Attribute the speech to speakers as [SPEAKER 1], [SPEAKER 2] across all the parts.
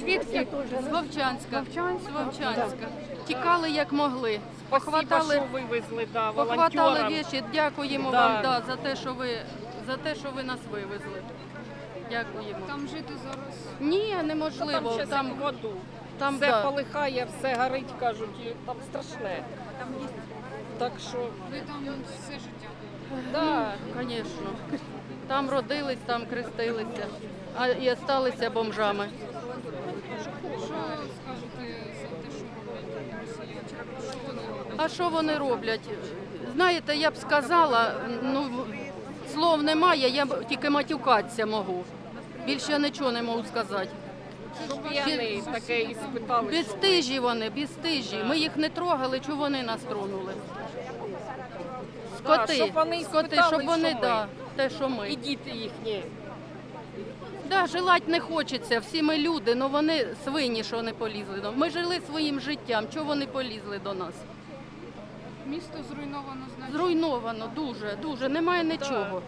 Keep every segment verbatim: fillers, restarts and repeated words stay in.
[SPEAKER 1] звідки?
[SPEAKER 2] З Вовчанська.
[SPEAKER 1] Вовчанська?
[SPEAKER 2] З Вовчанська. Тікали як могли.
[SPEAKER 1] Спасибо,
[SPEAKER 2] Похватали,
[SPEAKER 1] що вивезли, да,
[SPEAKER 2] похватали
[SPEAKER 1] волонтерам.
[SPEAKER 2] віші. Дякуємо
[SPEAKER 1] Да.
[SPEAKER 2] вам да, за те, що ви за те, що ви нас вивезли. Дякуємо.
[SPEAKER 3] Там жити зараз.
[SPEAKER 2] Ні,
[SPEAKER 1] Там
[SPEAKER 2] неможливо.
[SPEAKER 1] ще
[SPEAKER 2] Там,
[SPEAKER 1] в воду.
[SPEAKER 2] там
[SPEAKER 1] Все
[SPEAKER 2] да.
[SPEAKER 1] полихає, все горить, кажуть, і там страшне. Так що,
[SPEAKER 3] Ви там все життя.
[SPEAKER 1] да,
[SPEAKER 2] Звісно. Там родились, там крестилися, а і залишилися бомжами.
[SPEAKER 3] Що скажете за те, що роблять росіяни? Що вони роблять?
[SPEAKER 2] А що вони роблять? Знаєте, я б сказала, ну слов немає, я б тільки матюкатися можу. Більше я нічого не можу сказати.
[SPEAKER 1] щоб п'яний таке і спитали, що
[SPEAKER 2] Безстижі вони, безстижі. Ми їх не трогали, чого вони нас тронули. Скоти,
[SPEAKER 1] щоб вони
[SPEAKER 2] скоти,
[SPEAKER 1] спитали,
[SPEAKER 2] щоб вони,
[SPEAKER 1] що ми.
[SPEAKER 2] да, те, що
[SPEAKER 1] і
[SPEAKER 2] ми.
[SPEAKER 1] діти їхні.
[SPEAKER 2] Да, желать не хочеться, всі ми люди, але вони свині, що не полізли. до- Ми жили своїм життям, чого вони полізли до нас?
[SPEAKER 3] Місто зруйновано значно.
[SPEAKER 2] Зруйновано, дуже, дуже, немає нічого.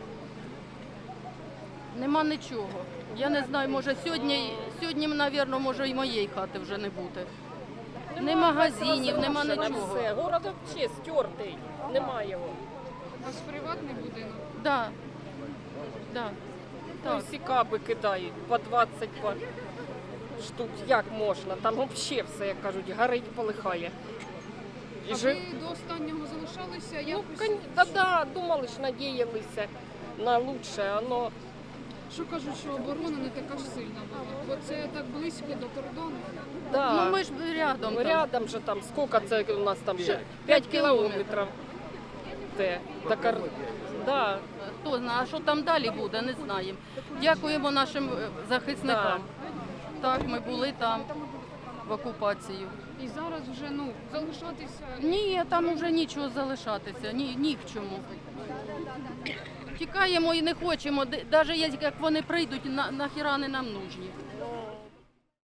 [SPEAKER 2] Нема нічого. Я не знаю, може сьогодні, сьогодні, мабуть, може і моєї хати вже не бути. Ні магазинів, нема
[SPEAKER 1] Розрушено
[SPEAKER 2] нічого.
[SPEAKER 1] все. Город взагалі стертий, немає його.
[SPEAKER 3] У вас приватний будинок.
[SPEAKER 2] Да. Да.
[SPEAKER 1] Ну,
[SPEAKER 2] Так.
[SPEAKER 1] всі каби кидають по двадцять по штук. Як можна? Там взагалі все, як кажуть, горить, полихає. І
[SPEAKER 3] А
[SPEAKER 1] жи-
[SPEAKER 3] ви до останнього залишалися?
[SPEAKER 1] Ну,
[SPEAKER 3] Якось?
[SPEAKER 1] кон- да, да, думали ж, надіялися на лучше, воно
[SPEAKER 3] Що кажуть, що оборона не така ж сильна була? Бо це так близько до кордону.
[SPEAKER 1] да.
[SPEAKER 2] Ну ми ж рядом. там.
[SPEAKER 1] Рядом же там, сколько це у нас там є?
[SPEAKER 2] Ще
[SPEAKER 1] п'ять
[SPEAKER 2] п'ять
[SPEAKER 1] кілометрів. Де? До Кар... Да.
[SPEAKER 2] Хто знає, а що там далі буде, не знаємо. Дякуємо нашим е, захисникам. Так, ми були там в окупацію.
[SPEAKER 3] І зараз вже ну залишатися.
[SPEAKER 2] Ні, там вже нічого залишатися, ні, ні в чому. Тікаємо і не хочемо, навіть як вони прийдуть, на, нахіра не нам нужні.